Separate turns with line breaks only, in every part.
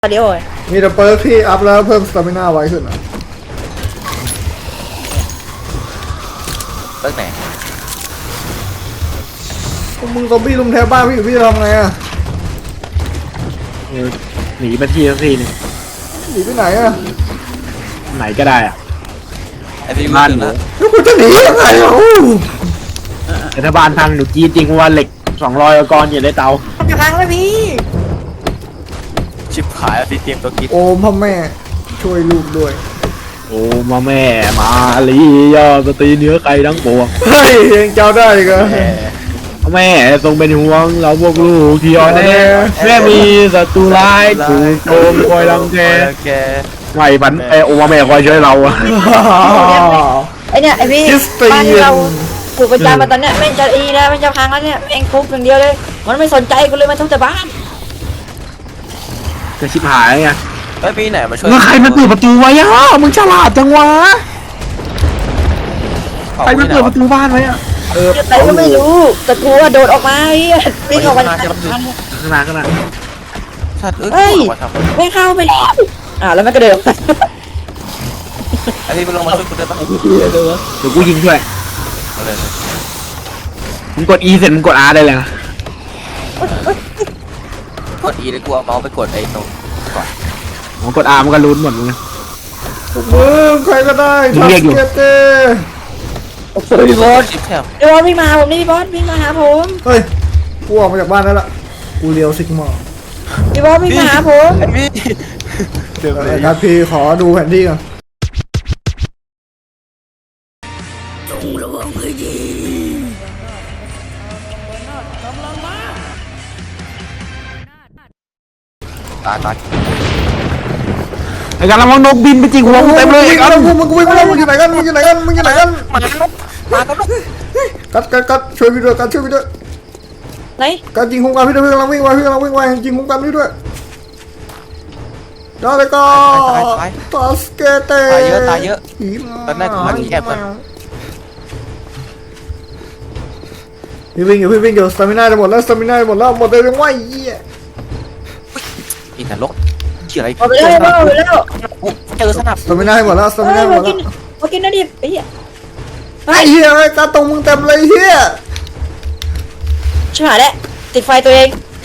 เดี๋ยว
มีแต่เปิร์กที่อัพแล้วเพิ่มสตามิน่าไว้ขึ้นอ่ะ
เปิร์กไหน
มึงซอมบี้ลุมแทบบ้านพี่จะทำไงอ่ะ
หนีมาที่สักทีนึง
หนีไปไหนอ่ะ
ไหนก็ได้อะ
ไอพี่
บ้าน
ห
หนู
แล้วกูจะหนียังไงอ่ะ
แต่ถ้าบ้านพังหนูกี้จริงว่าเหล็ก200 ก้อนอยู่ในเตา
จะพังแล้วพี่
ชิบหายแล้วพี่เตรียมตัวกิน
โอ้พ่อแม่ช่วยลูกด้วย
โอ้มาแม่มาลียอสตรีเนื้อไก่ทั้งปวง
เฮ้ยยังเจ้าได้อีกเหรอ
แม่ทรงเป็นห่วงเราพวกลูกที่อ่อนแอแม่มีศัตรูร้ายถูกโจมคอยรังแกไม่ฝันโอ้มาแม่คอยช่วยเราอะ
ไอเนี่ยไอพี่บ้านเราปลูกประจำมาตอนเนี้ยแม่งจะอีแล้วแม่งจะพังแล้วเนี่ยแม่งทุบอย่างเดียวเลยมันไม่สนใจกูเลยมันทุบแต่บ้าน
จะชิบหายไง
เฮ้ยพี่ไหนมาช่วย
แล้วใครมันเปิดประตูไว้อะมึงฉลาดจังวะใครมันเปิดประตูบ้านไว้อะ
แต่ก็ไม่รู้แต่กูว่าโดดออกมาวิ่งออกมา
ข้างหน้า
สัตว์
เฮ้ยไม่เข้าไปแล้วแล้วมันก็เดิน
ไอพี่ลงมาช่วยกูได้ปะ
เดี๋ยวกูยิงช่วยมึงกด E เสร็จมึงกด R ได้เลยนะ
กด E เลยกูเอาเมาส์ไปกดไอ้ตรงก่อน
มึงกด R มันก็ลุ้นหมดมึง
ใครก็ได้ทักเกตเต้
พี่บอสเดี๋ยววิ่งมาผมนี่พี่บอสวิ่งมาหาผม
เฮ้ยกูออกมาจากบ้านแล้วล่ะกูเลี้ยวซิกมา
พี่บอสวิ่งมาหาผม
พี่เดี๋ยว
ครับพี่ขอดูแผนที่ก่อน
จงระวังให้ดี
ตาย
ไอ้การระวังนกบินไปจริงหัวมึงเต็มเลย
ไอ้การมึงวิ่งมาแล้วมึงอยู่ไหนกันมากันกัดช่วยพี่ด้วยกัดช่วยพี่ด้วย
ไหน
กัดยิงคุ้มกันพี่ด้วยพี่กำลังวิ่งไวยิงคุ้มกันพี่ด้วยได้เลยก็ตัสเกเต้
ตายเยอะตอนแรกกูมาแคบมัน
พี่วิ่งอยู่สตามิน่าจะหมดแล้วหมดเลยยังไหวยี่
อีนรกเกี่ยวอะไร
ไปแล้ว
เจอสนับ
สตามิน่าให้หมดแล้ว
มากินนะดิไอ้เหี้ย
การตรงมึงเต็มเลยเฮีย
ชิบหายแล้วติดไฟตัวเองเ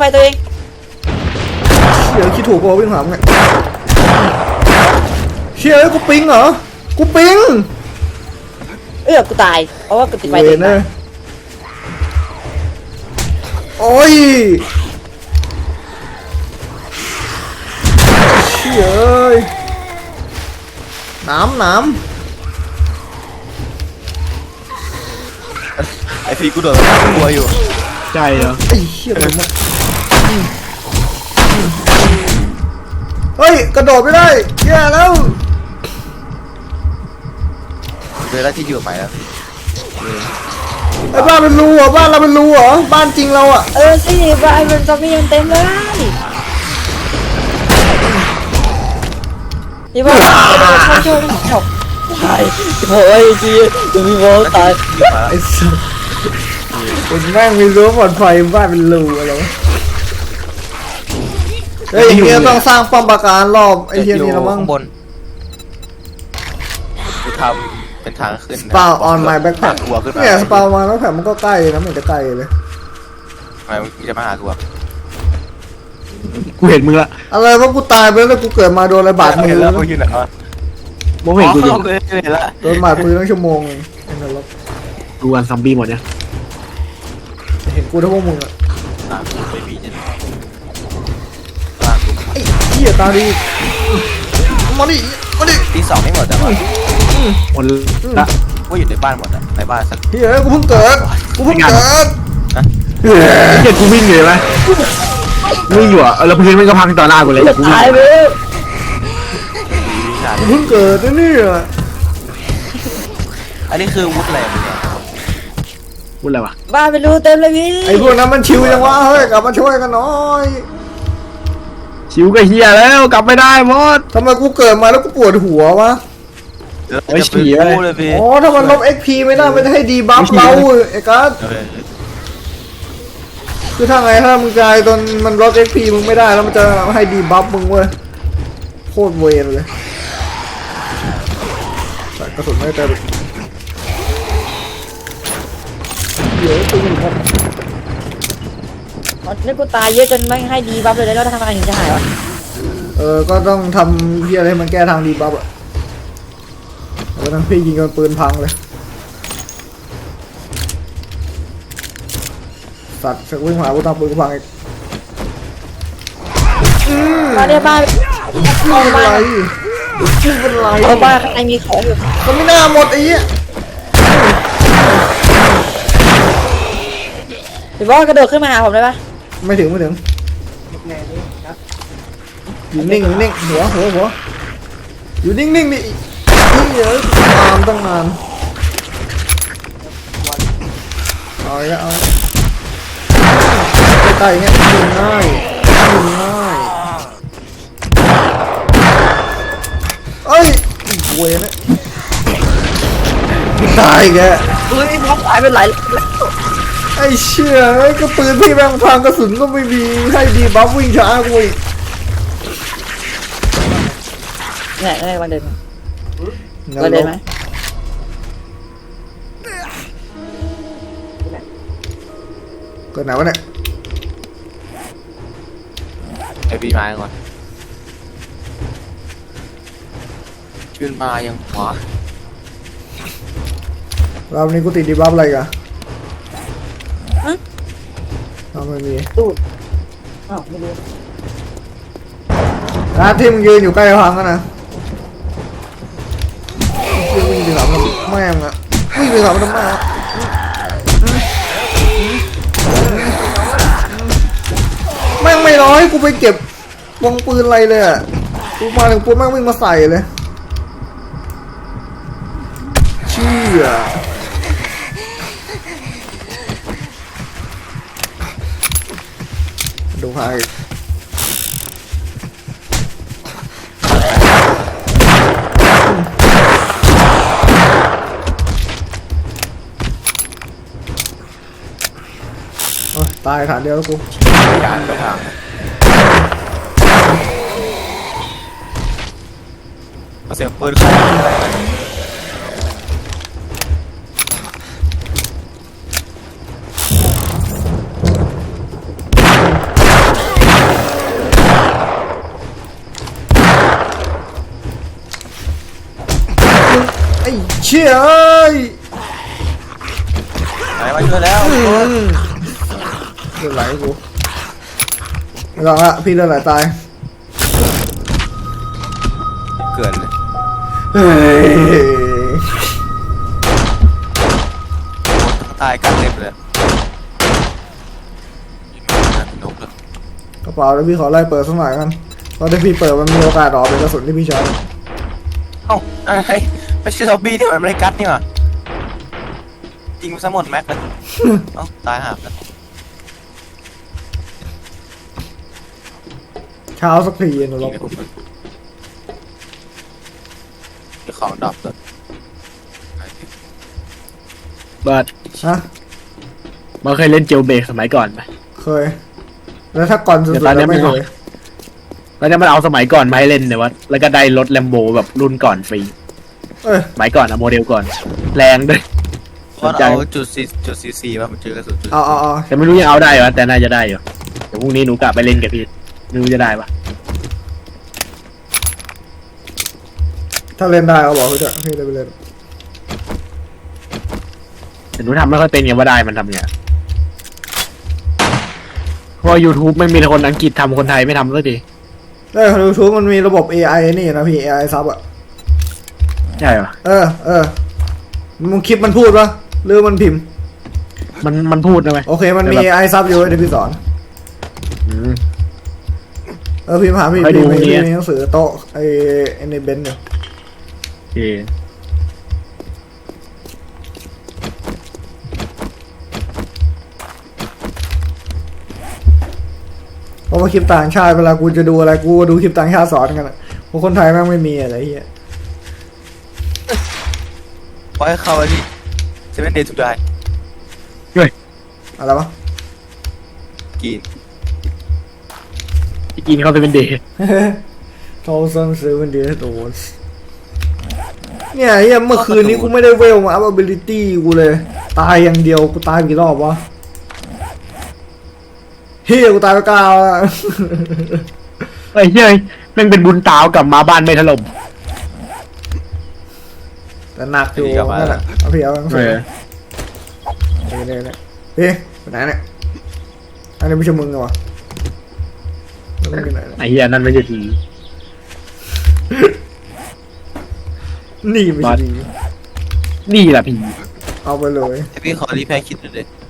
ดี๋ยวคิดถูกป่ะวิ่งหามไงเชี่ยกูปิงเหรอกูปิง
กูตายเพราะว่ากูติดไฟตัวเอง
โอ้ยเชี่ยน้ำ
ไอพี่กูโดนกลัวอยู่
ใจเหรอ
ไอ้เชี่ยมันเฮ้ยกระโดดไม่ได้แย่แล้ว
เจอแล้วที่อยู่ใหม่แล้ว
ไอ้บ้านเป็นรูเหรอบ้านเราเป็นรูเหรอบ้านจริงเราอ่ะ
สิบ้านมันซอมบี้เต็มเลยพี่บอสช่วยตายโอ้ยจีจะมีบอสตาย
ไอ้สัสเป็นแม่งมีรั้วปลอดภัยบ้านเป็นรูอะไรเฮ้ยอย่างเงี้ยต้องสร้างป้อมปราการรอบไอ้เทียนี่ละมั้ง
บนกูทำเป็นทางขึ้น
สปาออนไลน์แบ็คแพ็คเนี่ยสปามาแล้วแพ็คมันก็ใกล้นะมันจะใกล้เลย
ทำไมมึงจะมาหากู
กูเห็นมึงละ
อะไรว่ากูตายไปแล้วกูเกิดมาโดนอะไรบาดมือแล้ว
กูอยู่ไหนวะ
มองเห็นกูอยู่
โดนบาดมือตั้งชั่วโมง
ดูอันซอมบี้หมดเนี่ย
เห็นกูทั้งพวกมึงอ่ะ
ไม่มีเนี่ย
ไอ้เหี้ยตาดีมาดิ
ที่2ไม่หมดแต่ว่า
หมดละ
ว่าอยู่ในบ้านหมดอ่ะในบ้านสัก
เฮ้ยกูเพิ่งเกิด
เฮ้ยกูวิ่งอยู่ไหมวิ่งอยู่อ่ะแล้วพื้นมันก็พังต่อหน้ากูเลยแต่กูวิ่ง
กูเพิ่งเกิดนี่อ่ะ
อันนี้คือวุฒิอะไรมึงเนี่ย
วุฒิอะไรวะ
บ้าไปรู้เต็มเลยพี่
ไอ้พวกนั้นมันชิวจังวะเฮ้ยกลับมาช่วยกันหน่อย
ชิวก็เฮียแล้วกลับไม่ได้หมด
ทำไมกูเกิดมาแล้วกูปวดหัววะ
ไอ้ฉี่
เลยพี่
อ๋อถ้ามันลบ XP ไม่ได้มันจะให้ดีบัฟเราไอ้กัสคือถ้าไงถ้ามึงกลายตอนมันลด XP มึงไม่ได้แล้วมันจะให้ดีบัฟมึงเว้ยโคตรเวรเลยแต่กระสุนไม่เต็มเดี๋ยวตึงหมด
นี่กูตายเยอะจนไม่ให้ดีบัฟเลยแล้วทำไมถึงจะหายวะ
ก็ต้องทำเพี้ยอะไรให้มันแก้ทางดีบัฟอะแล้วทั้งพี่ยิงกันปืนพังเลยสัตว์วิ่งหากูตามปืนกูพังอีก
มาเนี่ยบ้าน
ไม่เป็นไรไม่เป็นไร
เอาบ้านข้างในมีของอยู่
ก็ไม่น่าหมดไอ้เหี้ย
หรือว่ากระโดดขึ้นมาหาผมได้ปะ
ไม่ถึงอยู่นิ่งอยู่นิ่งหัวอยู่นิ่งดินี่เยอะนานต้องนานเอาอีกแล้วเอาใกล้ๆอย่างเงี้ยยิงง่ายเอ้ยเวยนะตายแก
เฮ้ยบล็อกตายไปหลาย
ไอ้เชี่ยไอ้ก็ปืนที่แม่งทางกระสุนก็ไม่มีให้ดีบัฟวิ่งช้ากูอีก
เนี่ยได้วันเดินวันเดินไหม
เกิดไหนวะเนี่ย
ไอพี่มาก่อนขึ้นมายังขวา
รอบนี้กูติดดีบัฟอะไรกันไม่มี
ตูดอ้าวไม่รู้
ที่มึงยืนอยู่ใกล้พังกันนะวิ่งไปหามันแม่งอะวิ่งไปหามันทำไมอะแม่งไม่ร้อยกูไปเก็บวงปืนอะไรเลยอะกูมาถึงปุ๊บแม่งวิ่งมาใส่เลยเชี่ยดูใครตายฐานเดียวแล้วกู
การไปทางเสียงปืนใคร
ไอ้เชี่ยเอ้ย
ไหนมาช่วยแล้ว
เลือดไหลกูไม่ต้องละพี่เลือดไหลตาย
เกินเลย
เฮ้ย
ตายกันเต็มเลยนกเลย
กระเป๋าแล้วพี่ขอไล่เปิดสักหน่อยกันตอนที่พี่เปิดมันมีโอกาสออกเป็นกระสุนที่พี่ใช้
เอ้าอะไรไม่ใช่ซอมบี้ที่มันไม่ได้กัดนี่หว่ายิงซะหมดแม็กเลยเอ้าตายห่ากัน
เช้าสักทีนะ
ยิ
เรา
งไม่คุ้มเลยเดี๋ยวของดรอปเลย
เบิร์ด
ฮะ
มันเคยเล่นเจลเบรกสมัยก่อนไหม
เคยแล้วถ้าก่อนสุด
เดี๋ยว
ๆ
ตอนนี้
แล้วไม่
ไม่
เค
เอา
ย
แล้วเนี่ยมันเอาสมัยก่อนมาให้เล่นเนี่ยวะแล้วก็ได้รถแลมโบแบบรุ่นก่อนฟรี
เอ้ย
สมัยก่อนอะโมเดลก่อน แรงด้วย
เพราะเอาจุด 4 มาเจอกระสุนจุด
เอา
แต่ไม่รู้ยังเอาได้วะแต่น่าจะได้อยู่เดี๋ยวพรุ่งนี้หนูกลับไปเล่นกับพี่ไม่รู้จะได้ปะ
ถ้าเล่นได้เอาบอกพี่เถอะพี่เลยไปเล่น
แต่หนูทำไม่ค่อยเป็นไงว่าได้มันทำไงเพราะ YouTube ไม่มีคนอังกฤษทำคนไทยไม่ทำสักที
ยูทูบมันมีระบบ AI นี่นะพี่ AI ซับอะ
ใช่ปะ
มึงคลิปมันพูดปะหรือมันพิมพ์
มันพูดนะไหม
โอเคมันมี AI ซับอยู่เดี๋ยวพี่สอน
อืม
พิมพ์หาพี่
ไปดู
มี
เนี่ย
หนังสือโต๊ะไอ้ในเบนซ์อยู่
โอเค
เพราะว่าคลิปต่างชาติเวลากูจะดูอะไรกูดูคลิปต่างชาติสอนกันอะเพราะคนไทยแม่งไม่มีอะไรเหี้ย
เพราะให้เข้าไปที่7 Days to Die
อะไรวะ
กิน
กินเขาจะเป็นเดย์
ทอซันเซเว่นเดย์โดนเนี่ยเฮียเมื่อคืนนี้กูไม่ได้เวลมาอัพ ability กูเลย ตายอย่างเดียวกูตายกี่รอบวะเฮียกูตายไป9แล้ว
ไอ้เฮ้ยแม่งเป็นบุญตาวกลับมาบ้านไม่ถล่ม
แต่หนักอยู่นั่นแหละเอาพี่เอาไปเนี่ยพี่ไปไหนเนี่ยอันนี้ไม่ใช่มึงเหรอแล้วมึงไปไหนเนี่ย
ไอ้เหี้ยนั่นไม่ใช่ผี
นี่ไม่ใช่ดี
นี่แหละผี
เอาไปเลย
พี่ขอรีแพคคิดหน่อยดิ